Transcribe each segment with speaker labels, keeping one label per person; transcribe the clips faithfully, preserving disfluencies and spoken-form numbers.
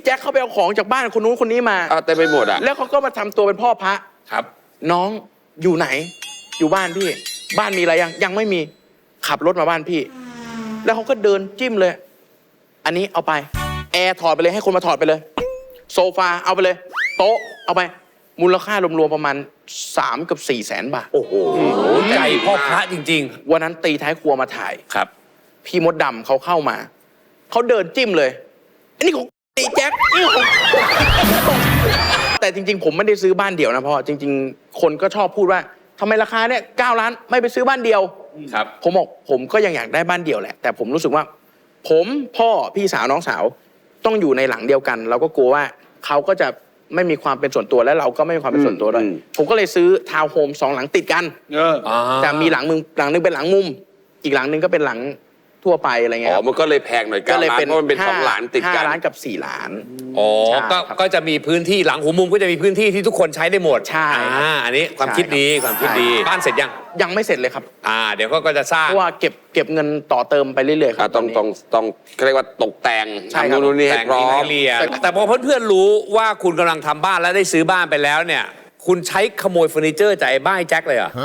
Speaker 1: แจ็คเขาไปเอาของจากบ้านคนนู้นคนนี้มา
Speaker 2: เอาเต็มไปหมดอ่ะ
Speaker 1: แล้วเขาก็มาทำตัวเป็นพ่อพระ
Speaker 2: ครับ
Speaker 1: น้องอยู่ไหนอยู่บ้านพี่บ้านมีอะไรยังยังไม่มีขับรถมาบ้านพี่แล้วเขาก็เดินจิ้มเลยอันนี้เอาไปแอร์ถอดไปเลยให้คนมาถอดไปเลยโซฟาเอาไปเลยโต๊ะเอาไปมูลค่ารวมๆประมาณสามกับสี่แสนบาท
Speaker 2: โอ้โหใจพ่อพระจริง
Speaker 1: ๆวันนั้นตีท้ายครัวมาถ่าย
Speaker 2: ครับ
Speaker 1: พี่มดดำเขาเข้ามาเขาเดินจิ้มเลยอันนี้ของตีแจ็คนี่ของแต่จริงๆผมไม่ได้ซื้อบ้านเดี่ยวนะพ่อจริงๆคนก็ชอบพูดว่าทำไมราคาเนี่ยเก้าล้านไม่ไปซื้อบ้านเดียว
Speaker 2: ครับ
Speaker 1: ผมบอกผมก็ยังอยากได้บ้านเดี่ยวแหละแต่ผมรู้สึกว่าผมพ่อพี่สาวน้องสาวต้องอยู่ในหลังเดียวกันเราก็กลัวว่าเขาก็จะไม่มีความเป็นส่วนตัวและเราก็ไม่มีความเป็นส่วนตัวด้วยผมก็เลยซื้อทาวน์โฮมสองหลังติดกันแต่มีหลังนึงหลังนึงเป็นหลังมุมอีกหลังนึงก็เป็นหลังทั่วไปอะไรเงี้ยอ๋
Speaker 2: อมันก็เลยแพงหน่อยก็เลยเป็นเพราะมันเป็นสองหลังติดกัน
Speaker 1: ห้าล้านกับสี่ล้าน
Speaker 3: อ๋อก็ก็จะมีพื้นที่หลังหัวมุมก็จะมีพื้นที่ที่ทุกคนใช้ได้หมด
Speaker 1: ใช่
Speaker 3: อ่าอันนี้ความคิดดีความคิดดีบ้านเสร็จยัง
Speaker 1: ยังไม่เสร็จเลยครับ
Speaker 3: อ่าเดี๋ยวก็จะสร้าง
Speaker 1: เพราะว่าเก็บเก็บเงินต่อเติมไปเรื่อยๆครับ
Speaker 2: ต้องต้องต้องเรียกว่าตกแต่ง
Speaker 1: ทำ
Speaker 2: นู่นนี่ให้พร้อม
Speaker 3: แต่พอเพื่อนๆรู้ว่าคุณกำลังทำบ้านแล้วได้ซื้อบ้านไปแล้วเนี่ยคุณใช้ขโมยเฟอร์นิเจอร์จากไอ้บ้านแจ็คเลยเหรอ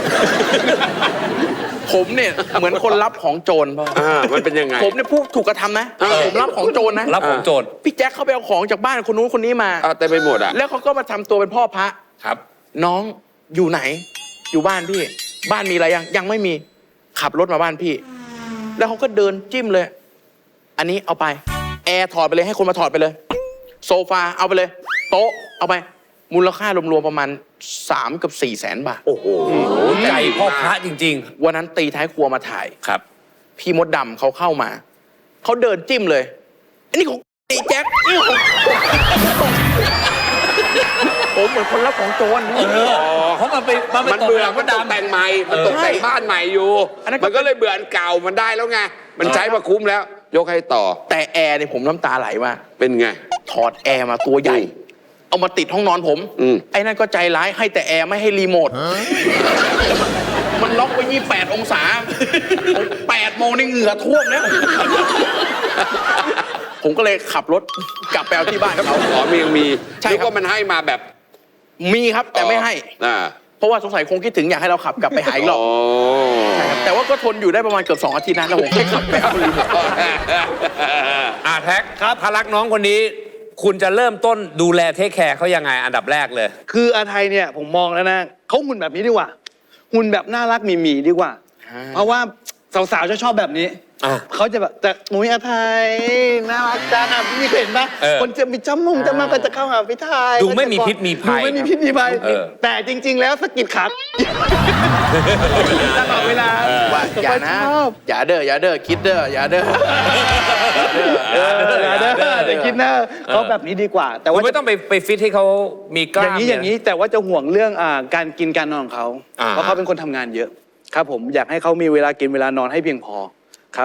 Speaker 1: ผมเนี่ยเหมือนคนรับของโจรป่ะ
Speaker 2: มันเป็นยังไง
Speaker 1: ผมเนี่ยผู้ถูกกระทำนะผมรับของโจรนะ
Speaker 3: รับของโจร
Speaker 1: พี่แจ็คเขาไปเอาของจากบ้านคนนู้นคนนี้มา
Speaker 2: เอาเต็มไปหมดอ่ะ
Speaker 1: แล้วเขาก็มาทำตัวเป็นพ่อพระ
Speaker 2: ครับ
Speaker 1: น้องอยู่ไหนอยู่บ้านพี่บ้านมีอะไรยังยังไม่มีขับรถมาบ้านพี่แล้วเขาก็เดินจิ้มเลยอันนี้เอาไปแอร์ถอดไปเลยให้คนมาถอดไปเลยโซฟาเอาไปเลยโต๊ะเอาไปมูลค่ารวมๆประมาณสามกับสี่แสนบาท
Speaker 2: โอ้โห
Speaker 3: ใจพ่อพระจริง
Speaker 1: ๆวันนั้นตีท้ายครัวมาถ่าย
Speaker 2: ครับ
Speaker 1: พี่มดดำเขาเข้ามาเขาเดินจิ้มเลยอันนี้ของตีแจ็คนี่ของผมเหมือนคนรับของโจร
Speaker 3: เพราะมันไป
Speaker 2: มันเบื่อมันตกแต่งใหม่มันตกแต่งบ้านใหม่อยู่มันก็เลยเบื่ออันเก่ามันได้แล้วไงมันใช้มาคุ้มแล้วยกให้ต่อ
Speaker 1: แต่แอร์เนี่ยผมน้ำตาไหลมาก
Speaker 2: เป็นไง
Speaker 1: ถอดแอร์มาตัวใหญ่เอามาติดห้องนอนผมไอ้นั่นก็ใจร้ายให้แต่แอร์ไม่ให้รีโมทมันล็อกไว้ยี่สิบแปดองศาแปดโมงในเหงื่อท่วมแล้วผมก็เลยขับรถกลับไปเอาที่บ้านเขา
Speaker 2: ขอมียังมีใช่ก็มันให้มาแบบ
Speaker 1: มีครับแต่ไม่ให้เพราะว่าสงสัยคงคิดถึงอยากให้เราขับกลับไปหาอีกรอบแต่ว่าก็ทนอยู่ได้ประมาณเกือบสองอาทิตย์นะแล้วผมให้ขับไปเอารีโมท
Speaker 3: อ่าแท็กครับถ้ารักน้องคนนี้คุณจะเริ่มต้นดูแลเทคแคร์เขายังไงอันดับแรกเลย
Speaker 4: คืออาไทยเนี่ยผมมองแล้วนะเขาหุ่นแบบนี้ดีกว่าหุ่นแบบน่ารักมีมีดีกว่าเพราะว่าสาวๆจะชอบแบบนี้เขาจะแบบแต่มุ้ยอาไทยน่ารักจังอ่ะพี่เห็นปะคนจะมีจ้ำมุงจะมาก็จะเข้าหาพี่ไทย
Speaker 3: ดูไม่มีพิษมีภัย
Speaker 4: ดูไม่มีพิษมีภัยแต่จริงๆแล้วสกิดขาตลอดเวลา
Speaker 1: ว่าอย่านะอย่าเด้ออย่าเด้อคิดเด้ออย่าเด้อ
Speaker 4: อย่าเด้อแต่คิดเด้อเขาแบบนี้ดีกว่า
Speaker 3: แต่ว่าไม่ต้องไปไปฟิตให้เขามีกล้าม
Speaker 4: อย่างนี้อย่างนี้แต่ว่าจะห่วงเรื่องการกินการนอนของเขาเพราะเขาเป็นคนทำงานเยอะครับผมอยากให้เขามีเวลากินเวลานอนให้เพียงพอ